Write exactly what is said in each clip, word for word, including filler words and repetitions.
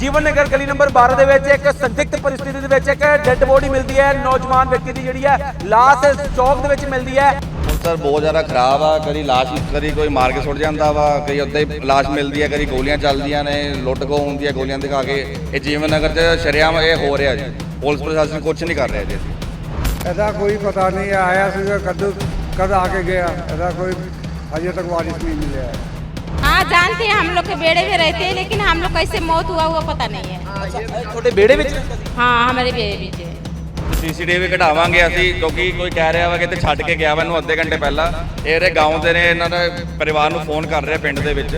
ਜੀਵਨ ਨਗਰ ਗਲੀ ਨੰਬਰ ਬਾਰਾਂ ਦੇ ਵਿੱਚ ਇੱਕ ਸੰਦਿਗਧ परिस्थिति ਦੇ ਵਿੱਚ ਇੱਕ ਡੈੱਡ ਬੋਡੀ ਮਿਲਦੀ ਹੈ। ਨੌਜਵਾਨ ਵਿਅਕਤੀ ਦੀ ਜਿਹੜੀ ਹੈ ਲਾਸ਼ ਚੌਕ ਦੇ ਵਿੱਚ ਮਿਲਦੀ ਹੈ। सर बहुत ज़्यादा खराब आ, कभी लाश कभी कोई मार के सुट जाता वा, कभी उदा ही लाश मिलती है, कभी गोलियां चलदियां ने, लुट खो होंदी है गोलियां दिखा के। ये जीवन नगर च शरेआम ये हो रहा जी, पुलिस प्रशासन कुछ नहीं कर रहा जी। ऐसा कोई पता नहीं है, आया सीधा कद कद आके गया, ऐसा कोई अजय तक वारिस नहीं मिले है। हाँ जानते हैं, हम लोग के बेड़े में रहते हैं, लेकिन हम लोग कैसे मौत हुआ हुआ पता नहीं है। ਤੁਹਾਡੇ बेड़े ਵਿੱਚ हाँ हमारे बेड़े बीच है। ਸੀਸੀਟੀਵੀ ਕਢਾਵਾਂਗੇ ਅਸੀਂ, ਕਿਉਂਕਿ ਕੋਈ ਕਹਿ ਰਿਹਾ ਵਾ ਕਿ ਇੱਥੇ ਛੱਡ ਕੇ ਗਿਆ ਵਾ ਇਹਨੂੰ ਅੱਧੇ ਘੰਟੇ ਪਹਿਲਾਂ। ਇਹਦੇ ਗਾਉਂ ਦੇ ਨੇ, ਇਹਨਾਂ ਦੇ ਪਰਿਵਾਰ ਨੂੰ ਫੋਨ ਕਰ ਰਿਹਾ ਪਿੰਡ ਦੇ ਵਿੱਚ।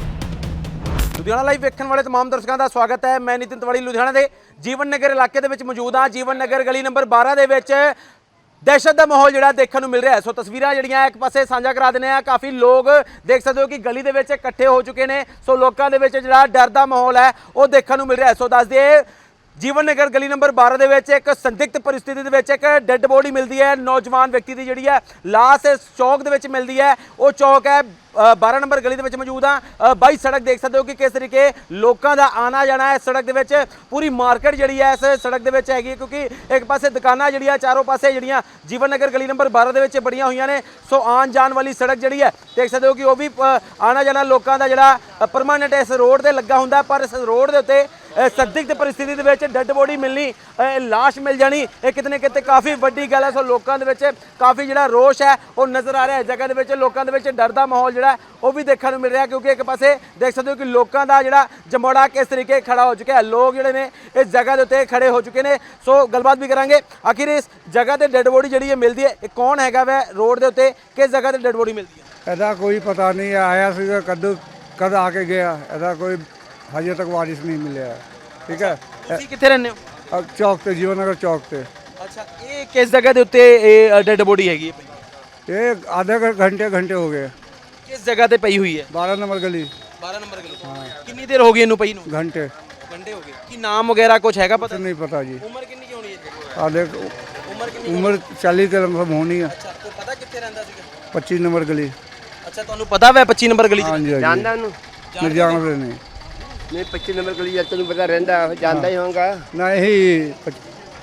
ਲੁਧਿਆਣਾ ਲਾਈਵ ਵੇਖਣ ਵਾਲੇ तमाम ਦਰਸ਼ਕਾਂ ਦਾ ਸਵਾਗਤ ਹੈ। ਮੈਂ ਨਿਤਿਨ ਤਿਵਾੜੀ ਲੁਧਿਆਣਾ ਦੇ ਜੀਵਨ ਨਗਰ ਇਲਾਕੇ ਦੇ ਵਿੱਚ ਮੌਜੂਦ ਹਾਂ। ਜੀਵਨ ਨਗਰ ਗਲੀ ਨੰਬਰ ਬਾਰਾਂ ਦੇ ਵਿੱਚ ਦਹਿਸ਼ਤ ਦਾ ਮਾਹੌਲ ਜਿਹੜਾ ਦੇਖਣ ਨੂੰ ਮਿਲ ਰਿਹਾ ਹੈ। ਸੋ ਤਸਵੀਰਾਂ ਜਿਹੜੀਆਂ ਇੱਕ ਪਾਸੇ ਸਾਂਝਾ ਕਰਾ ਦਿੰਦੇ ਆ। ਕਾਫੀ ਲੋਕ ਦੇਖ ਸਕਦੇ ਹੋ ਕਿ ਗਲੀ ਦੇ ਵਿੱਚ ਇਕੱਠੇ ਹੋ ਚੁੱਕੇ ਨੇ। ਸੋ ਲੋਕਾਂ ਦੇ ਵਿੱਚ ਜਿਹੜਾ ਡਰ ਦਾ ਮਾਹੌਲ ਹੈ ਉਹ ਦੇਖਣ ਨੂੰ ਮਿਲ ਰਿਹਾ ਹੈ। ਸੋ ਦੱਸ ਦਈਏ ਜੀਵਨ ਨਗਰ ਗਲੀ ਨੰਬਰ ਬਾਰਾਂ ਦੇ ਵਿੱਚ ਇੱਕ ਸੰਦਿਗਧ परिस्थिति ਦੇ ਵਿੱਚ ਇੱਕ ਡੈੱਡ ਬੋਡੀ ਮਿਲਦੀ ਹੈ। ਨੌਜਵਾਨ ਵਿਅਕਤੀ ਦੀ ਜਿਹੜੀ ਹੈ ਲਾਸ਼ ਚੌਕ ਦੇ ਵਿੱਚ ਮਿਲਦੀ ਹੈ। ਉਹ ਚੌਕ ਹੈ ਬਾਰਾਂ ਨੰਬਰ ਗਲੀ ਦੇ ਵਿੱਚ ਮੌਜੂਦ ਆ। ਬਾਈ ਸੜਕ ਦੇਖ ਸਕਦੇ ਹੋ ਕਿ ਕਿਸ ਤਰੀਕੇ ਲੋਕਾਂ ਦਾ ਆਣਾ ਜਾਣਾ ਹੈ। ਸੜਕ ਦੇ ਵਿੱਚ ਪੂਰੀ ਮਾਰਕੀਟ ਜਿਹੜੀ ਹੈ ਇਸ ਸੜਕ ਦੇ ਵਿੱਚ ਹੈਗੀ ਹੈ, ਕਿਉਂਕਿ ਇੱਕ ਪਾਸੇ ਦੁਕਾਨਾਂ ਜਿਹੜੀਆਂ ਚਾਰੋਂ ਪਾਸੇ ਜਿਹੜੀਆਂ ਜੀਵਨ ਨਗਰ ਗਲੀ ਨੰਬਰ ਬਾਰਾਂ ਦੇ ਵਿੱਚ ਬੜੀਆਂ ਹੋਈਆਂ ਨੇ। ਸੋ ਆਉਣ ਜਾਣ ਵਾਲੀ ਸੜਕ ਜਿਹੜੀ ਹੈ ਦੇਖ ਸਕਦੇ ਹੋ ਕਿ ਉਹ ਵੀ ਆਣਾ ਜਾਣਾ ਲੋਕਾਂ ਦਾ ਜਿਹੜਾ ਪਰਮਾਨੈਂਟ ਇਸ ਰੋਡ ਤੇ ਲੱਗਾ ਹੁੰਦਾ। ਪਰ ਇਸ ਰੋਡ ਦੇ ਉੱਤੇ ਸੰਦਿਗਧ परिस्थिति ਦੇ ਵਿੱਚ ਡੈੱਡ ਬੋਡੀ ਮਿਲਣੀ, ਲਾਸ਼ ਮਿਲ ਜਾਣੀ, ਇਹ ਕਿਤੇ ਨਾ ਕਿਤੇ ਕਾਫੀ ਵੱਡੀ ਗੱਲ ਹੈ। ਸੋ ਲੋਕਾਂ ਦੇ ਵਿੱਚ ਕਾਫੀ ਜਿਹੜਾ ਰੋਸ਼ ਹੈ ਉਹ ਨਜ਼ਰ ਆ ਰਿਹਾ ਹੈ। ਜਗ੍ਹਾ ਦੇ ਵਿੱਚ ਲੋਕਾਂ ਦੇ ਵਿੱਚ ਡਰ ਦਾ ਮਾਹੌਲ ਜਿਹੜਾ ਉਹ ਵੀ ਦੇਖਣ ਨੂੰ ਮਿਲ ਰਿਹਾ, ਕਿਉਂਕਿ ਇੱਕ ਪਾਸੇ ਦੇਖ ਸਕਦੇ ਹੋ ਕਿ ਲੋਕਾਂ ਦਾ ਜਿਹੜਾ ਜਮੋੜਾ ਕਿਸ ਤਰੀਕੇ ਖੜਾ ਹੋ ਚੁੱਕਿਆ ਹੈ। ਲੋਕ ਜਿਹੜੇ ਨੇ ਇਸ ਜਗ੍ਹਾ ਦੇ ਉੱਤੇ ਖੜੇ ਹੋ ਚੁੱਕੇ ਨੇ। ਸੋ ਗੱਲਬਾਤ ਵੀ ਕਰਾਂਗੇ ਆਖਿਰ ਇਸ ਜਗ੍ਹਾ ਤੇ ਡੈੱਡ ਬੋਡੀ ਜਿਹੜੀ ਹੈ ਮਿਲਦੀ ਹੈ, ਇਹ ਕੌਣ ਹੈਗਾ ਵੈ ਰੋਡ ਦੇ ਉੱਤੇ, ਕਿਸ ਜਗ੍ਹਾ ਤੇ ਡੈੱਡ ਬੋਡੀ ਮਿਲਦੀ ਹੈ? ऐसा कोई पता नहीं है, आया सीधा कद कद आके गया, ऐसा कोई अजय तक वारिस नहीं मिले है। ठीक है, ਤੁਸੀਂ ਕਿੱਥੇ ਰਹਿੰਦੇ ਹੋ? अब चौक पे जीवन नगर चौक पे ਅੱਛਾ, ਇਹ ਕਿਸ ਜਗ੍ਹਾ ਦੇ ਉੱਤੇ ਇਹ ਡੈੱਡ ਬੋਡੀ ਹੈਗੀ ਹੈ? ये आधे घंटे घंटे हो गए, ਕਿਸ ਜਗ੍ਹਾ ਤੇ ਪਈ ਹੋਈ ਹੈ? बारह नंबर गली ਬਾਰਾਂ ਨੰਬਰ ਗਲੀ। ਕਿੰਨੀ ਦੇਰ ਹੋ ਗਈ ਇਹਨੂੰ ਪਈ ਨੂੰ? घंटे ਘੰਟੇ ਹੋ ਗਏ। ਕੀ ਨਾਮ ਵਗੈਰਾ ਕੁਝ ਹੈਗਾ ਪਤਾ? नहीं पता जी। ਉਮਰ ਕਿੰਨੀ ਕੀ ਹੋਣੀ ਹੈ? आधे ਉਮਰ ਕਿੰਨੀ? उम्र चालीस के लगभग होनी है। ਅੱਛਾ, ਕੋਈ ਪਤਾ ਕਿੱਥੇ ਰਹਿੰਦਾ ਸੀਗਾ? पच्चीस नंबर गली। ਅੱਛਾ, ਤੁਹਾਨੂੰ ਪਤਾ ਵੈ ਪੱਚੀ ਨੰਬਰ ਗਲੀ हाँ ਚ? जी, हाँ जानदा जी। ਨੂੰ नहीं जानते नहीं ਨਹੀਂ पच्चीस नंबर गली या ਤੈਨੂੰ ਪਤਾ ਰਹਿੰਦਾ ਜਾਣਦਾ ਹੀ ਹੋਊਗਾ। नहीं।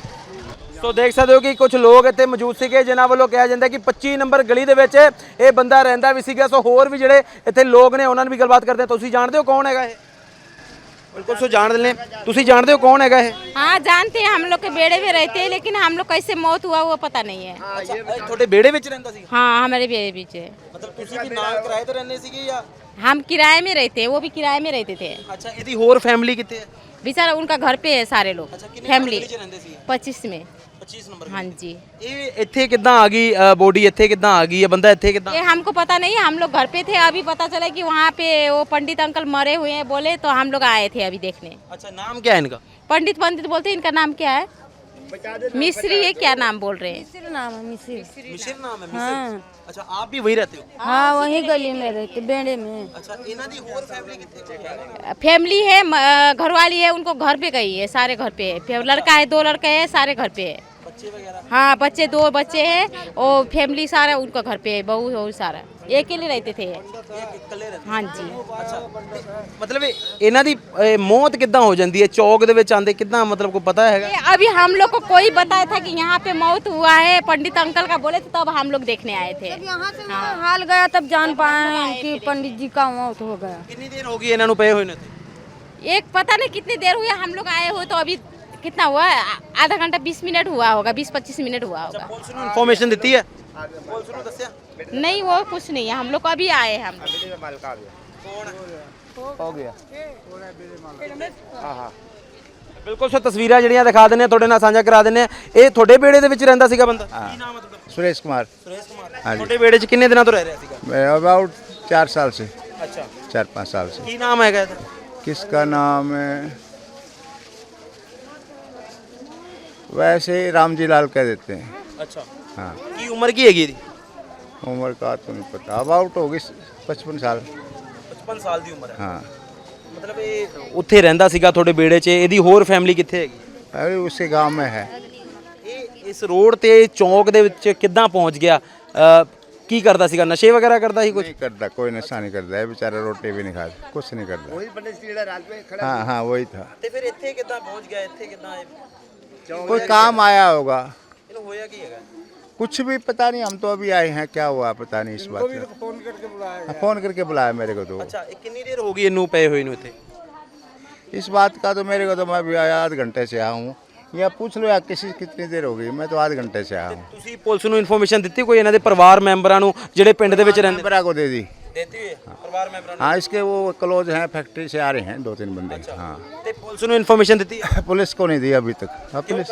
ਸੋ ਦੇਖ ਸਕਦੇ ਹੋ ਕਿ ਕੁਝ ਲੋਕ ਇੱਥੇ ਮੌਜੂਦ ਸੀਗੇ ਜਿਨ੍ਹਾਂ ਵੱਲੋਂ ਕਿਹਾ ਜਾਂਦਾ ਕਿ ਪੱਚੀ ਨੰਬਰ ਗਲੀ ਦੇ ਵਿੱਚ ਇਹ ਬੰਦਾ ਰਹਿੰਦਾ ਵੀ ਸੀਗਾ। ਸੋ ਹੋਰ ਵੀ ਜਿਹੜੇ ਇੱਥੇ ਲੋਕ ਨੇ ਉਹਨਾਂ ਨਾਲ ਵੀ ਗੱਲਬਾਤ ਕਰਦੇ ਹਾਂ। ਤੁਸੀਂ ਜਾਣਦੇ ਹੋ ਕੌਣ ਹੈਗਾ ਇਹ? ਬਿਲਕੁਲ, ਸੋ ਜਾਣਦੇ ਨੇ। ਤੁਸੀਂ ਜਾਣਦੇ ਹੋ ਕੌਣ ਹੈਗਾ ਇਹ? हाँ जानते हैं, हम लोग के बेड़े में रहते हैं, लेकिन हम लोग कैसे मौत हुआ हुआ पता नहीं है। ਅੱਛਾ, ਇਹ ਤੁਹਾਡੇ ਵਿਹੜੇ ਵਿੱਚ ਰਹਿੰਦਾ ਸੀ? हाँ हमारे बेड़े बीच है। ਮਤਲਬ ਤੁਸੀਂ ਵੀ ਨਾਲ ਕਿਰਾਏ ਤੇ ਰਹਿੰਦੇ ਸੀਗੇ ਜਾਂ? हम किराए में रहते हैं, वो भी किराए में रहते थे। ਅੱਛਾ, ਇਹਦੀ ਹੋਰ ਫੈਮਿਲੀ ਕਿੱਥੇ ਹੈ? बेचारा उनका घर पे है सारे लोग, ਅੱਛਾ, ਕਿੰਨੇ फैमिली ਗਲੀ ਚ ਰਹਿੰਦੇ ਸੀ? पच्चीस में। ਪੱਚੀ ਨੰਬਰ। हाँ जी, ਇਹ ਇੱਥੇ ਕਿੱਦਾਂ ਆ ਗਈ ਬੋਡੀ? ਇੱਥੇ ਕਿੱਦਾਂ ਆ ਗਈ? ਇਹ ਬੰਦਾ ਇੱਥੇ ਕਿੱਦਾਂ? ये हमको पता नहीं है, हम लोग घर पे थे। अभी पता चला कि वहाँ पे वो पंडित अंकल मरे हुए हैं बोले, तो हम लोग आए थे अभी देखने। अच्छा, नाम क्या है इनका? पंडित पंडित बोलते हैं, इनका नाम क्या है? मिस्री है, क्या नाम बोल रहे हैं? मिसिर नाम है मिसिर। मिसिर नाम है? मिसिर। अच्छा, आप भी वही रहते हो? हाँ वही गली में रहते, बेड़े में। अच्छा, इन्हां दी होर फैमिली कितने? फैमिली है, म- घरवाली है, उनको घर पे गई है, सारे घर पे है। फिर लड़का है, दो लड़के हैं, सारे घर पे है। बच्चे वगैरह? हाँ बच्चे दो बच्चे हैं और फैमिली सारा उनका घर पे है, बहू और सारा एक अकेले रहते थे। ਇਕੱਲੇ ਰਹਿੰਦੇ? हाँ जी, ਅੱਛਾ, ਮਤਲਬ ਇਹਨਾਂ ਦੀ ਇਹ ਮੌਤ ਕਿੱਦਾਂ ਹੋ ਜਾਂਦੀ ਹੈ? ਚੌਕ ਦੇ ਵਿੱਚ ਆਂਦੇ ਕਿੱਦਾਂ, ਮਤਲਬ ਕੋਈ ਪਤਾ ਹੈਗਾ? ये अभी हम लोग को कोई बताया था कि यहाँ पे मौत हुआ है, पंडित अंकल का बोले थे, तब हम लोग देखने आए थे। यहाँ से वहाँ हाल गया तब जान पाए कि पंडित जी का मौत हो गया। ਕਿੰਨੀ ਦੇਰ ਹੋ ਗਈ ਇਹਨਾਂ ਨੂੰ ਪਏ ਹੋਏ ਨੇ? एक पता नहीं कितनी देर हुई, हम लोग आए हुए तो अभी कितना हुआ, आ- आधा घंटा बीस मिनट हुआ होगा, बीस पच्चीस मिनट हुआ होगा। ਪੁਲਿਸ ਨੂੰ ਇਨਫੋਰਮੇਸ਼ਨ ਦਿੱਤੀ ਹੈ? ਪੁਲਿਸ ਨੂੰ ਦੱਸਿਆ? नहीं वो कुछ नहीं है, हम लोग को अभी आए हैं हम। ਹੋ ਗਿਆ ਬਿਲਕੁਲ, ਸੋ ਤਸਵੀਰਾਂ ਜਿਹੜੀਆਂ ਦਿਖਾ ਦਿੰਦੇ ਆ ਤੁਹਾਡੇ ਨਾਲ ਸਾਂਝਾ ਕਰਾ ਦਿੰਦੇ ਆ। ਇਹ ਤੁਹਾਡੇ ਵਿਹੜੇ ਦੇ ਵਿੱਚ ਰਹਿੰਦਾ ਸੀਗਾ ਬੰਦਾ? ਕੀ ਨਾਮ ਹੈ ਤੁਹਾਡਾ? सुरेश कुमार। ਸੁਰੇਸ਼ ਕੁਮਾਰ। ਤੁਹਾਡੇ ਵਿਹੜੇ 'ਚ ਕਿੰਨੇ ਦਿਨਾਂ ਤੋਂ ਰਹਿ ਰਿਹਾ ਸੀਗਾ? मैं अबाउट चार साल से, ਅੱਛਾ, चार पाँच साल से। ਕੀ ਨਾਮ ਹੈਗਾ ਇਹਦਾ? किसका नाम है? वैसे राम जी लाल कह देते हैं। ਅੱਛਾ, हाँ, ਕੀ ਉਮਰ ਕੀ ਹੈਗੀ ਇਹਦੀ? उम्र का तो नहीं पता, अबाउट होगी पचपन साल। ਪਚਪਨ ਸਾਲ ਦੀ ਉਮਰ ਹੈ। हाँ, ਮਤਲਬ ਇਹ ਉੱਥੇ ਰਹਿੰਦਾ ਸੀਗਾ ਤੁਹਾਡੇ ਵਿਹੜੇ 'ਚ। ਇਹਦੀ ਹੋਰ ਫੈਮਿਲੀ ਕਿੱਥੇ ਹੈਗੀ? अरे उसके गांव में है। ਇਹ ਇਸ ਰੋਡ ਤੇ ਚੌਕ ਦੇ ਵਿੱਚ ਕਿੱਦਾਂ ਪਹੁੰਚ ਗਿਆ? ਅ, ਕੀ ਕਰਦਾ ਸੀਗਾ ਨਸ਼ੇ ਵਗੈਰਾ ਕਰਦਾ ਸੀ ਕੁਝ नहीं करता, कोई नशा नहीं करता है बेचारा, रोटी भी नहीं खाता, कुछ नहीं करता। वही हाँ हाँ वही था। ਤੇ ਫਿਰ ਇੱਥੇ ਕਿੱਦਾਂ ਪਹੁੰਚ ਗਿਆ ਇੱਥੇ ਕਿੱਦਾਂ कोई काम आया होगा, ਇਹਨੂੰ ਹੋਇਆ ਕੀ ਹੈਗਾ कुछ भी पता नहीं, हम तो अभी आए हैं, क्या हुआ पता नहीं इस बात का। फोन करके बुलाया हाँ, फोन करके बुलाया मेरे को तो। ਅੱਛਾ ਇਹ ਕਿੰਨੀ ਦੇਰ ਹੋ ਗਈ ਇਹਨੂੰ ਪਏ ਹੋਏ ਨੂੰ ਇੱਥੇ इस बात का तो मेरे को तो मैं भी आया आध घंटे से आया हूँ, या पूछ लो या किसी कितनी देर हो गई, मैं तो आध घंटे से आया हूँ। ਤੁਸੀਂ ਪੁਲਿਸ ਨੂੰ ਇਨਫੋਰਮੇਸ਼ਨ ਦਿੱਤੀ ਕੋਈ ਇਹਨਾਂ ਦੇ ਪਰਿਵਾਰ ਮੈਂਬਰਾਂ ਨੂੰ ਜਿਹੜੇ ਪਿੰਡ ਦੇ ਵਿੱਚ ਰਹਿੰਦੇ मेरा को दे दी। ਦਿੱਤੀ ਹੋਈ ਹੈ ਪਰਿਵਾਰ ਮੈਂਬਰਾਂ हाँ इसके वो क्लोज हैं, फैक्ट्री से आ रहे हैं दो तीन बंदे। हाँ ਨੂੰ ਤੇ ਪੁਲਿਸ ਨੂੰ ਇਨਫੋਰਮੇਸ਼ਨ ਦਿੱਤੀ ਹੈ पुलिस को नहीं दी अभी तक। अब पुलिस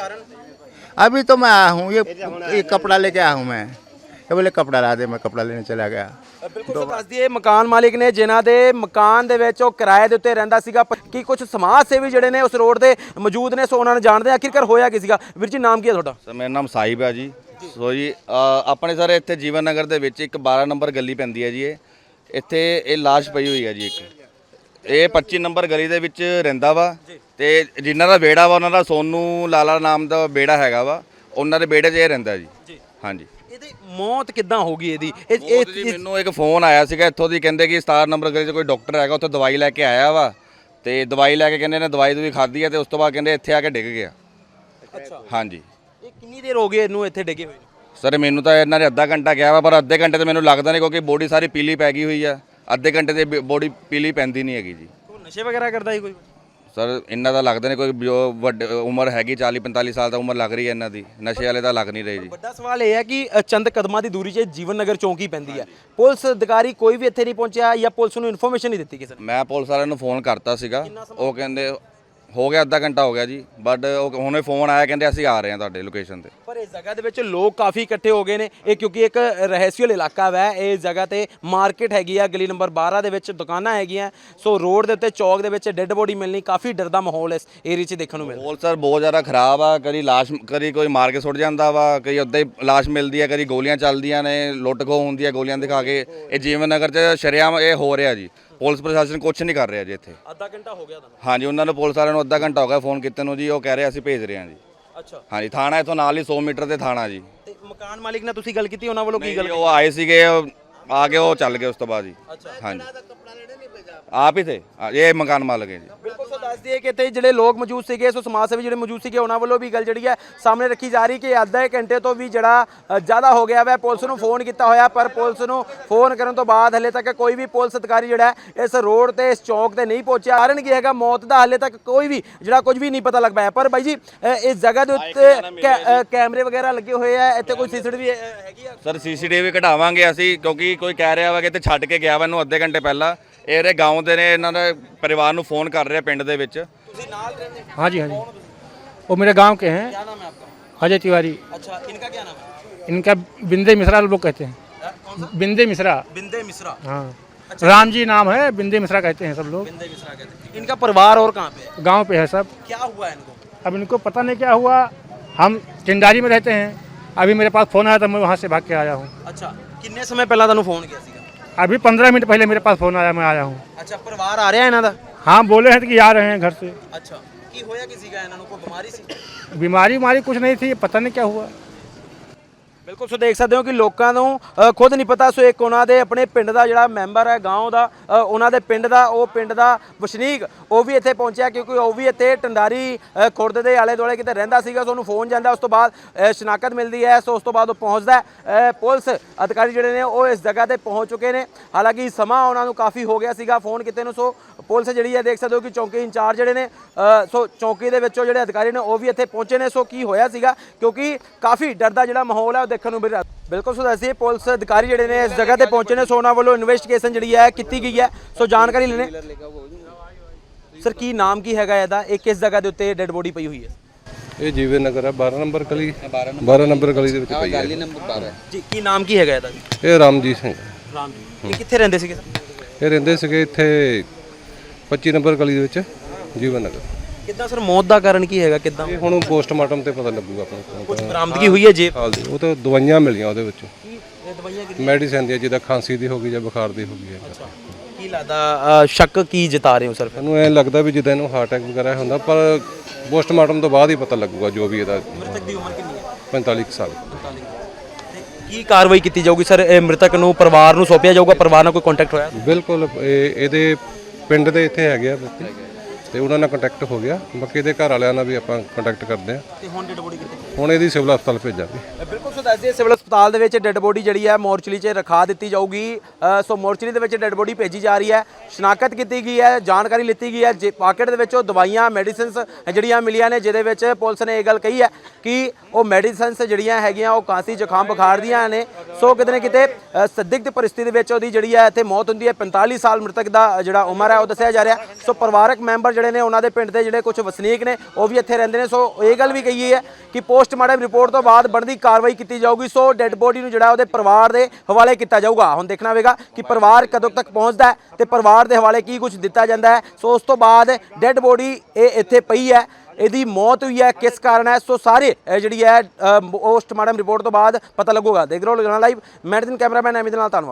अभी तो मैं आया हूँ, ये ये कपड़ा लेके आया हूँ मैं, ये बोले कपड़ा ला दे, मैं कपड़ा लेने चला गया। ਬਿਲਕੁਲ ਸੋ ਦੱਸ ਦਈਏ ਮਕਾਨ ਮਾਲਿਕ ਨੇ ਜਿਨ੍ਹਾਂ ਦੇ ਮਕਾਨ ਦੇ ਵਿੱਚ ਉਹ ਕਿਰਾਏ ਦੇ ਉੱਤੇ ਰਹਿੰਦਾ ਸੀਗਾ ਕੀ ਕੁਝ ਸਮਾਜ ਸੇਵੀ ਜਿਹੜੇ ਨੇ ਉਸ ਰੋਡ ਤੇ ਮੌਜੂਦ ਨੇ ਸੋ ਉਹਨਾਂ ਨੂੰ ਜਾਣਦੇ ਆ ਆਖਿਰਕਾਰ ਹੋਇਆ ਕੀ ਸੀਗਾ ਵੀਰ ਜੀ ਨਾਮ ਕੀ ਹੈ ਤੁਹਾਡਾ ਸਰ ਮੇਰਾ ਨਾਮ ਸਾਹਿਬ ਹੈ ਜੀ। ਸੋ ਜੀ ਅ, ਆਪਣੇ ਸਰ ਇੱਥੇ ਜੀਵਨ ਨਗਰ ਦੇ ਵਿੱਚ ਇੱਕ ਬਾਰਾਂ ਨੰਬਰ ਗਲੀ ਪੈਂਦੀ ਹੈ ਜੀ। ਇਹ ਇੱਥੇ ਇਹ ਲਾਸ਼ ਪਈ ਹੋਈ ਹੈ ਜੀ ਇੱਕ। ਇਹ ਪੱਚੀ ਨੰਬਰ ਗਲੀ ਦੇ ਵਿੱਚ ਰਹਿੰਦਾ ਵਾ ਤੇ ਜਿਨ੍ਹਾਂ ਦਾ ਵਿਹੜਾ ਵਾ ਉਹਨਾਂ ਦਾ ਸੋਨੂ ਲਾਲਾ ਨਾਮ ਦਾ ਵਿਹੜਾ ਹੈਗਾ ਵਾ, ਉਹਨਾਂ ਦੇ ਵਿਹੜੇ 'ਚ ਇਹ ਰਹਿੰਦਾ ਜੀ। ਹਾਂਜੀ। ਇਹਦੀ ਮੌਤ ਕਿੱਦਾਂ ਹੋ ਗਈ ਇਹਦੀ ਇਹ ਬਹੁਤ ਜੀ ਮੈਨੂੰ ਇੱਕ ਫੋਨ ਆਇਆ ਸੀਗਾ ਇੱਥੋਂ ਦੀ, ਕਹਿੰਦੇ ਕਿ ਸਤਾਰਾਂ ਨੰਬਰ ਗਲੀ 'ਚ ਕੋਈ ਡਾਕਟਰ ਹੈਗਾ, ਉੱਥੇ ਦਵਾਈ ਲੈ ਕੇ ਆਇਆ ਵਾ ਤੇ ਦਵਾਈ ਲੈ ਕੇ ਕਹਿੰਦੇ ਨੇ ਦਵਾਈ ਦੂਈ ਖਾਧੀ ਹੈ ਤੇ ਉਸ ਤੋਂ ਬਾਅਦ ਕਹਿੰਦੇ ਇੱਥੇ ਆ ਕੇ ਡਿੱਗ ਗਿਆ। ਅੱਛਾ ਹਾਂਜੀ। ਇਹ ਕਿੰਨੀ ਦੇਰ ਹੋ ਗਈ ਇਹਨੂੰ ਇੱਥੇ ਡਿੱਗੇ ਹੋਏ ਨੂੰ ਸਰ ਮੈਨੂੰ ਤਾਂ ਇਹਨਾਂ ਨੇ ਅੱਧਾ ਘੰਟਾ ਕਿਹਾ ਵਾ, ਪਰ ਅੱਧੇ ਘੰਟੇ ਤੇ ਮੈਨੂੰ ਲੱਗਦਾ ਨਹੀਂ ਕਿਉਂਕਿ ਬੋਡੀ ਸਾਰੀ ਪੀਲੀ ਪੈ ਗਈ ਹੋਈ ਆ। ਅੱਧੇ ਘੰਟੇ ਤੇ ਬੋਡੀ ਪੀਲੀ ਪੈਂਦੀ ਨਹੀਂ ਹੈਗੀ ਜੀ। ਉਹ ਨਸ਼ੇ ਵਗੈਰਾ ਕਰਦਾ ਸੀ ਕੋਈ ਸਰ ਇਹਨਾਂ ਦਾ ਲੱਗਦਾ ਨਹੀਂ, ਕੋਈ ਜੋ ਵੱਡ ਉਮਰ ਹੈਗੀ ਚਾਲੀ ਪੰਤਾਲੀ ਸਾਲ ਦਾ ਉਮਰ ਲੱਗ ਰਹੀ ਹੈ ਇਹਨਾਂ ਦੀ, ਨਸ਼ੇ ਵਾਲੇ ਤਾਂ ਲੱਗ ਨਹੀਂ ਰਹੇ ਜੀ। ਵੱਡਾ ਸਵਾਲ ਇਹ ਹੈ ਕਿ ਅ, ਚੰਦ ਕਦਮਾਂ ਦੀ ਦੂਰੀ 'ਚ ਜੀਵਨ ਨਗਰ ਚੌਂਕੀ ਪੈਂਦੀ ਹੈ, ਪੁਲਿਸ ਅਧਿਕਾਰੀ ਕੋਈ ਵੀ ਇੱਥੇ ਨਹੀਂ ਪਹੁੰਚਿਆ ਜਾਂ ਪੁਲਿਸ ਨੂੰ ਇਨਫੋਰਮੇਸ਼ਨ ਨਹੀਂ ਦਿੱਤੀ ਕਿਸੇ ਨੇ ਮੈਂ ਪੁਲਿਸ ਵਾਲਿਆਂ ਨੂੰ ਫੋਨ ਕਰਤਾ ਸੀਗਾ, ਉਹ ਕਹਿੰਦੇ ਹੋ ਗਿਆ ਅੱਧਾ ਘੰਟਾ ਹੋ ਗਿਆ ਜੀ, ਬਟ ਉਹ ਹੁਣੇ ਫੋਨ ਆਇਆ ਕਹਿੰਦੇ ਅਸੀਂ ਆ ਰਹੇ ਹਾਂ ਤੁਹਾਡੇ ਲੋਕੇਸ਼ਨ ਤੇ। ਪਰ ਇਸ ਜਗ੍ਹਾ ਦੇ ਵਿੱਚ ਲੋਕ ਕਾਫੀ ਇਕੱਠੇ ਹੋ ਗਏ ਨੇ ਇਹ ਕਿਉਂਕਿ ਇੱਕ ਰਹਿਸੀਅਲ ਇਲਾਕਾ ਵੈ ਇਹ ਜਗ੍ਹਾ ਤੇ ਮਾਰਕੀਟ ਹੈਗੀ ਆ ਗਲੀ ਨੰਬਰ ਬਾਰਾਂ ਦੇ ਵਿੱਚ ਦੁਕਾਨਾਂ ਹੈਗੀਆਂ ਸੋ ਰੋਡ ਦੇ ਉੱਤੇ ਚੌਕ ਦੇ ਵਿੱਚ ਡੈੱਡ ਬੋਡੀ ਮਿਲਣੀ ਕਾਫੀ ਡਰ ਦਾ ਮਾਹੌਲ ਇਸ ਏਰੀਆ 'ਚ ਦੇਖਣ ਨੂੰ ਮਿਲਦਾ। ਮਾਹੌਲ ਸਰ ਬਹੁਤ ਜ਼ਿਆਦਾ ਖਰਾਬ ਆ, ਕਦੀ ਲਾਸ਼ ਕਦੀ ਕੋਈ ਮਾਰ ਕੇ ਸੁੱਟ ਜਾਂਦਾ ਵਾ, ਕਈ ਉੱਦਾਂ ਹੀ ਲਾਸ਼ ਮਿਲਦੀ ਹੈ, ਕਦੀ ਗੋਲੀਆਂ ਚੱਲਦੀਆਂ ਨੇ, ਲੁੱਟ ਖੋਹ ਹੁੰਦੀ ਹੈ ਗੋਲੀਆਂ ਦਿਖਾ ਕੇ। ਇਹ ਜੀਵਨ ਨਗਰ 'ਚ ਸ਼ਰੇਆਮ ਇਹ ਹੋ ਰਿਹਾ ਜੀ। ਪੁਲਿਸ ਪ੍ਰਸ਼ਾਸਨ ਕੁਝ ਨਹੀਂ ਕਰ ਰਿਹਾ ਜੀ ਇੱਥੇ। ਅੱਧਾ ਘੰਟਾ ਹੋ ਗਿਆ ਤੁਹਾਨੂੰ? ਹਾਂਜੀ ਉਹਨਾਂ ਨੂੰ ਪੁਲਿਸ ਵਾਲਿਆਂ ਨੂੰ ਅੱਧਾ ਘੰਟਾ ਹੋ ਗਿਆ ਫੋਨ ਕੀਤੇ ਨੂੰ ਜੀ, ਉਹ ਕਹਿ ਰਹੇ ਅਸੀਂ ਭੇਜ ਰਹੇ ਹਾਂ ਜੀ। ਅੱਛਾ ਹਾਂਜੀ ਥਾਣਾ ਇੱਥੋਂ ਨਾਲ ਹੀ ਸੌ ਮੀਟਰ ਤੇ ਥਾਣਾ ਜੀ। ਤੇ ਮਕਾਨ ਮਾਲਿਕ ਨਾਲ ਤੁਸੀਂ ਗੱਲ ਕੀਤੀ ਉਹਨਾਂ ਵੱਲੋਂ ਕੀ ਗੱਲ? ਉਹ ਆਏ ਸੀਗੇ, ਉਹ ਆ ਕੇ ਉਹ ਚੱਲ ਗਏ ਉਸ ਤੋਂ ਬਾਅਦ ਜੀ। ਹਾਂਜੀ ਆਪ ਹੀ ਥੇ, ਇਹ ਮਕਾਨ ਮਾਲਕ ਹੈ ਜੀ। ਬਿਲਕੁਲ ਸੋ ਦੱਸ ਦਈਏ ਕਿ ਇੱਥੇ ਜਿਹੜੇ ਲੋਕ ਮੌਜੂਦ ਸੀਗੇ ਸੋ ਸਮਾਜ ਸੇਵੀ ਜਿਹੜੇ ਮੌਜੂਦ ਸੀਗੇ ਉਹਨਾਂ ਵੱਲੋਂ ਵੀ ਗੱਲ ਜਿਹੜੀ ਹੈ ਸਾਹਮਣੇ ਰੱਖੀ ਜਾ ਰਹੀ ਕਿ ਅੱਧਾ ਇੱਕ ਘੰਟੇ ਤੋਂ ਵੀ ਜਿਹੜਾ ਅ, ਜ਼ਿਆਦਾ ਹੋ ਗਿਆ ਵੈ ਪੁਲਿਸ ਨੂੰ ਫੋਨ ਕੀਤਾ ਹੋਇਆ ਪਰ ਪੁਲਿਸ ਨੂੰ ਫੋਨ ਕਰਨ ਤੋਂ ਬਾਅਦ ਹਲੇ ਤੱਕ ਕੋਈ ਵੀ ਪੁਲਿਸ ਅਧਿਕਾਰੀ ਜਿਹੜਾ ਹੈ ਇਸ ਰੋਡ ਤੇ ਇਸ ਚੌਕ ਤੇ ਨਹੀਂ ਪਹੁੰਚਿਆ। ਕਾਰਨ ਕੀ ਹੈਗਾ ਮੌਤ ਦਾ ਹਲੇ ਤੱਕ ਕੋਈ ਵੀ ਜਿਹੜਾ ਕੁਝ ਵੀ ਨਹੀਂ ਪਤਾ ਲੱਗ ਪਾਇਆ। ਪਰ ਬਾਈ ਜੀ ਅ, ਇਸ ਜਗ੍ਹਾ ਦੇ ਉੱਤੇ ਕੈ- ਅ, ਕੈਮਰੇ ਵਗੈਰਾ ਲੱਗੇ ਹੋਏ ਆ, ਇੱਥੇ ਕੋਈ ਸੀਸੀਟੀਵੀ ਹੈਗੀ ਆ? ਸਰ ਸੀਸੀਟੀਵੀ ਕਢਾਵਾਂਗੇ ਅਸੀਂ ਕਿਉਂਕਿ ਕੋਈ ਕਹਿ ਰਿਹਾ ਵਾ ਕਿ ਇੱਥੇ ਛੱਡ ਕੇ ਗਿਆ ਵਾ ਇਹਨੂੰ ਅੱਧੇ ਘੰਟੇ ਪਹਿਲਾਂ। ਇਹਦੇ ਗਾਉਂ ਦੇ ਨੇ, ਇਹਨਾਂ ਦੇ ਪਰਿਵਾਰ ਨੂੰ ਫੋਨ ਕਰ ਰਿਹਾ ਪਿੰਡ ਦੇ ਵਿੱਚ। ਤੁਸੀਂ ਨਾਲ ਰਹਿੰਦੇ? हाँ जी हाँ जी, वो मेरे गांव के हैं, क्या नाम है आपका? अजय तिवारी। अच्छा इनका क्या नाम है? इनका बिंदे मिश्रा लोग कहते हैं, अ, कौन सा? बिंदे मिश्रा। बिंदे मिश्रा। हाँ राम जी नाम है, बिंदे मिश्रा कहते हैं सब लोग। बिंदे मिश्रा कहते हैं। इनका परिवार और कहाँ पे है? गांव पे है सब। क्या हुआ है इनको? अब इनको पता नहीं क्या हुआ, हम टिंडारी में रहते हैं। अभी मेरे पास फ़ोन आया था, मैं वहाँ से भाग के आया हूँ। अच्छा किन्ने समय पहला ਤੁਹਾਨੂੰ ਫੋਨ ਕੀਤਾ ਸੀਗਾ? अभी पंद्रह मिनट पहले मेरे पास फ़ोन आया, मैं आया हूँ। ਅੱਛਾ ਪਰਿਵਾਰ ਆ ਰਿਹਾ ਇਹਨਾਂ ਦਾ? हाँ बोले हैं कि आ रहे हैं घर से। ਅੱਛਾ ਕੀ ਹੋਇਆ ਕੀ ਸੀਗਾ ਇਹਨਾਂ ਨੂੰ ਕੋਈ ਬਿਮਾਰੀ ਸੀ? बीमारी उमारी कुछ नहीं थी, पता नहीं क्या हुआ। ਬਿਲਕੁਲ ਸੋ ਦੇਖ ਸਕਦੇ ਹੋ ਕਿ ਲੋਕਾਂ ਨੂੰ ਅ, ਖੁਦ ਨਹੀਂ ਪਤਾ ਸੋ ਇੱਕ ਉਹਨਾਂ ਦੇ ਆਪਣੇ ਪਿੰਡ ਦਾ ਜਿਹੜਾ ਮੈਂਬਰ ਹੈ ਗਾਉਂ ਦਾ ਅ, ਉਹਨਾਂ ਦੇ ਪਿੰਡ ਦਾ ਉਹ ਪਿੰਡ ਦਾ ਵਸਨੀਕ ਉਹ ਵੀ ਇੱਥੇ ਪਹੁੰਚਿਆ ਕਿਉਂਕਿ ਉਹ ਵੀ ਇੱਥੇ ਟੰਡਾਰੀ ਅ, ਖੁਰਦ ਦੇ ਆਲੇ ਦੁਆਲੇ ਕਿਤੇ ਰਹਿੰਦਾ ਸੀਗਾ ਸੋ ਉਹਨੂੰ ਫੋਨ ਜਾਂਦਾ ਉਸ ਤੋਂ ਬਾਅਦ ਅ, ਸ਼ਨਾਖਤ ਮਿਲਦੀ ਹੈ ਸੋ ਉਸ ਤੋਂ ਬਾਅਦ ਉਹ ਪਹੁੰਚਦਾ ਹੈ। ਅ, ਪੁਲਿਸ ਅਧਿਕਾਰੀ ਜਿਹੜੇ ਨੇ ਉਹ ਇਸ ਜਗ੍ਹਾ ਤੇ ਪਹੁੰਚ ਚੁੱਕੇ ਨੇ ਹਾਲਾਂਕਿ ਸਮਾਂ ਉਹਨਾਂ ਨੂੰ ਕਾਫੀ ਹੋ ਗਿਆ ਸੀਗਾ ਫੋਨ ਕੀਤੇ ਨੂੰ ਸੋ ਪੁਲਿਸ ਜਿਹੜੀ ਹੈ ਦੇਖ ਸਕਦੇ ਹੋ ਕਿ ਚੌਂਕੀ ਇੰਚਾਰਜ ਜਿਹੜੇ ਨੇ ਅ, ਸੋ ਚੌਂਕੀ ਦੇ ਵਿੱਚੋਂ ਜਿਹੜੇ ਅਧਿਕਾਰੀ ਨੇ ਉਹ ਵੀ ਇੱਥੇ ਪਹੁੰਚੇ ਨੇ ਸੋ ਕੀ ਹੋਇਆ ਸੀਗਾ ਕਿਉਂਕਿ ਕਾਫੀ ਡਰ ਦਾ ਜਿਹੜਾ ਮਾਹੌਲ ਹੈ ਉਹ ਦੇਖਣ ਨੂੰ ਮਿਲ ਰਿਹਾ। ਬਿਲਕੁਲ ਸੋ ਦੱਸੀਏ ਪੁਲਿਸ ਅਧਿਕਾਰੀ ਜਿਹੜੇ ਨੇ ਇਸ ਜਗ੍ਹਾ ਤੇ ਪਹੁੰਚੇ ਨੇ ਸੋ ਉਹਨਾਂ ਵੱਲੋਂ ਇਨਵੈਸਟੀਗੇਸ਼ਨ ਜਿਹੜੀ ਹੈ ਕੀਤੀ ਗਈ ਹੈ ਸੋ ਜਾਣਕਾਰੀ ਲੈਣੇ। ਸਰ ਕੀ ਨਾਮ ਕੀ ਹੈਗਾ ਇਹਦਾ, ਇਹ ਕਿਸ ਜਗ੍ਹਾ ਦੇ ਉੱਤੇ ਡੈੱਡ ਬੋਡੀ ਪਈ ਹੋਈ ਹੈ? ਇਹ ਜੀਵੇ ਨਗਰ ਹੈ ਬਾਰਾਂ ਨੰਬਰ ਗਲੀ, ਬਾਰਾਂ ਨੰਬਰ ਗਲੀ ਦੇ ਵਿੱਚ ਪਈ ਹੈ। ਜੀ ਕੀ ਨਾਮ ਕੀ ਹੈਗਾ ਇਹਦਾ? ਇਹ ਰਾਮਜੀਤ ਸਿੰਘ, ਰਾਮ ਜੀ। ਇਹ ਕਿੱਥੇ ਰਹਿੰਦੇ ਸੀਗੇ ਸਰ? ਇਹ ਰਹਿੰਦੇ ਸੀਗੇ ਇੱਥੇ ਪੱਚੀ ਨੰਬਰ ਗਲੀ ਦੇ ਵਿੱਚ ਜੀਵਨ ਨਗਰ। ਕਿੱਦਾਂ ਸਰ ਮੌਤ ਦਾ ਕਾਰਨ ਕੀ ਹੈਗਾ ਕਿੱਦਾਂ? ਇਹ ਹੁਣ ਪੋਸਟਮਾਰਟਮ ਤੇ ਪਤਾ ਲੱਗੂਗਾ ਆਪਣੇ ਕੋਲ। ਕੁਝ ਬਰਾਮਦਗੀ ਹੋਈ ਹੈ ਜੀ? ਹਾਲ ਦੀ ਉਹ ਤਾਂ ਦਵਾਈਆਂ ਮਿਲੀਆਂ ਉਹਦੇ ਵਿੱਚ, ਇਹ ਦਵਾਈਆਂ ਕਿਹਦੀ? ਮੈਡੀਸਨ ਦੀ, ਜਿਹਦਾ ਖਾਂਸੀ ਦੀ ਹੋ ਗਈ ਜਾਂ ਬੁਖਾਰ ਦੀ ਹੋ ਗਈ ਹੈ। ਕੀ ਲੱਗਦਾ ਅ, ਸ਼ੱਕ ਕੀ ਜਤਾ ਰਹੇ ਹੋ ਸਰ? ਮੈਨੂੰ ਐਂ ਲੱਗਦਾ ਵੀ ਜਿੱਦਾਂ ਇਹਨੂੰ ਹਾਰਟ ਅਟੈਕ ਵਗੈਰਾ ਹੁੰਦਾ, ਪਰ ਪੋਸਟਮਾਰਟਮ ਤੋਂ ਬਾਅਦ ਹੀ ਪਤਾ ਲੱਗੂਗਾ ਜੋ ਵੀ ਇਹਦਾ। ਮ੍ਰਿਤਕ ਦੀ ਉਮਰ ਕਿੰਨੀ ਹੈ? ਪੈਂਤਾਲੀ ਕੁ ਸਾਲ। ਤੇ ਕੀ ਕਾਰਵਾਈ ਕੀਤੀ ਜਾਊਗੀ ਸਰ? ਇਹ ਮ੍ਰਿਤਕ ਨੂੰ ਪਰਿਵਾਰ ਨੂੰ ਸੌਂਪਿਆ ਜਾਊਗਾ? ਪਰਿਵਾਰ ਨਾਲ ਕੋਈ ਕੰਟੈਕਟ ਹੋਇਆ? ਬਿਲਕੁਲ ਇਹ ਇਹਦੇ ਪਿੰਡ ਦੇ ਇੱਥੇ ਹੈਗੇ ਆ ਵਿਅਕਤੀ ਤੇ ਉਹਨਾਂ ਨਾਲ ਕੰਟੈਕਟ ਹੋ ਗਿਆ। ਬਾਕੀ ਇਹਦੇ ਘਰ ਵਾਲਿਆਂ ਨਾਲ ਵੀ ਆਪਾਂ ਕੰਟੈਕਟ ਕਰਦੇ ਆ ਤੇ ਹੁਣ ਡੈਡ ਬੋਡੀ ਕਿੱਥੇ? ਹੁਣ ਇਹਦੀ ਸਿਵਲ ਹਸਪਤਾਲ ਭੇਜਾਂਗੇ। ਬਿਲਕੁਲ ਸੋ ਦੱਸਦੇ ਸਿਵਲ ਹਸਪਤਾਲ ਦੇ ਵਿੱਚ ਡੈੱਡ ਬੋਡੀ ਜਿਹੜੀ ਹੈ ਮੋਰਚਰੀ 'ਚ ਰਖਾ ਦਿੱਤੀ ਜਾਊਗੀ। ਅ, ਸੋ ਮੋਰਚਰੀ ਦੇ ਵਿੱਚ ਡੈੱਡ ਬੋਡੀ ਭੇਜੀ ਜਾ ਰਹੀ ਹੈ, ਸ਼ਨਾਖਤ ਕੀਤੀ ਗਈ ਹੈ, ਜਾਣਕਾਰੀ ਲਿੱਤੀ ਗਈ ਹੈ। ਜੇ ਪਾਕਟ ਦੇ ਵਿੱਚੋਂ ਦਵਾਈਆਂ ਮੈਡੀਸਿਨਸ ਜਿਹੜੀਆਂ ਮਿਲੀਆਂ ਨੇ, ਜਿਹਦੇ ਵਿੱਚ ਪੁਲਿਸ ਨੇ ਇਹ ਗੱਲ ਕਹੀ ਹੈ ਕਿ ਉਹ ਮੈਡੀਸਿਨਸ ਜਿਹੜੀਆਂ ਹੈਗੀਆਂ ਉਹ ਕਾਂਸੀ ਜ਼ੁਕਾਮ ਬੁਖਾਰ ਦੀਆਂ ਨੇ। ਸੋ ਕਿਤੇ ਨਾ ਕਿਤੇ ਅ, ਸੰਦਿਗਧ ਪਰਿਸਥਿਤੀ ਦੇ ਵਿੱਚ ਉਹਦੀ ਜਿਹੜੀ ਹੈ ਇੱਥੇ ਮੌਤ ਹੁੰਦੀ ਹੈ। ਪੰਤਾਲੀ ਸਾਲ ਮ੍ਰਿਤਕ ਦਾ ਜਿਹੜਾ ਉਮਰ ਹੈ ਉਹ ਦੱਸਿਆ ਜਾ ਰਿਹਾ। ਸੋ ਪਰਿਵਾਰਕ ਮੈਂਬਰ ਜਿਹੜੇ ਨੇ ਉਹਨਾਂ ਦੇ ਪਿੰਡ ਦੇ ਜਿਹੜੇ ਕੁਝ ਵਸਨੀਕ ਨੇ ਉਹ ਵੀ ਇੱਥੇ ਰਹਿੰਦੇ ਨੇ। ਸੋ ਇਹ ਗੱਲ ਵੀ ਕਹੀ ਹੈ ਕਿ ਪੋਸਟਮਾਰਟਮ ਰਿਪੋਰਟ ਤੋਂ ਬਾਅਦ ਬਣਦੀ ਕਾਰਵਾਈ ਕੀਤੀ ਜਾਊਗੀ। ਸੋ ਡੈੱਡ ਬੋਡੀ ਨੂੰ ਜਿਹੜਾ ਉਹਦੇ ਪਰਿਵਾਰ ਦੇ ਹਵਾਲੇ ਕੀਤਾ ਜਾਊਗਾ। ਹੁਣ ਦੇਖਣਾ ਹੋਵੇਗਾ ਕਿ ਪਰਿਵਾਰ ਕਦੋਂ ਤੱਕ ਪਹੁੰਚਦਾ ਹੈ ਤੇ ਪਰਿਵਾਰ ਦੇ ਹਵਾਲੇ ਕੀ ਕੁਝ ਦਿੱਤਾ ਜਾਂਦਾ ਹੈ। ਸੋ ਉਸ ਤੋਂ ਬਾਅਦ ਡੈੱਡ ਬੋਡੀ ਇਹ ਇੱਥੇ ਪਈ ਹੈ, ਇਹਦੀ ਮੌਤ ਹੋਈ ਹੈ, ਕਿਸ ਕਾਰਨ ਹੈ, ਸੋ ਸਾਰੇ ਇਹ ਜਿਹੜੀ ਹੈ ਪੋਸਟਮਾਰਟਮ ਰਿਪੋਰਟ ਤੋਂ ਬਾਅਦ ਪਤਾ ਲੱਗੂਗਾ। ਦੇਖ ਰਹੇ ਹੋ ਲੁਧਿਆਣਾ ਲਾਈਵ, ਮੈਂ ਦਿਨ ਕੈਮਰਾਮੈਨ ਐਮੀ ਦੇ ਨਾਲ, ਧੰਨਵਾਦ।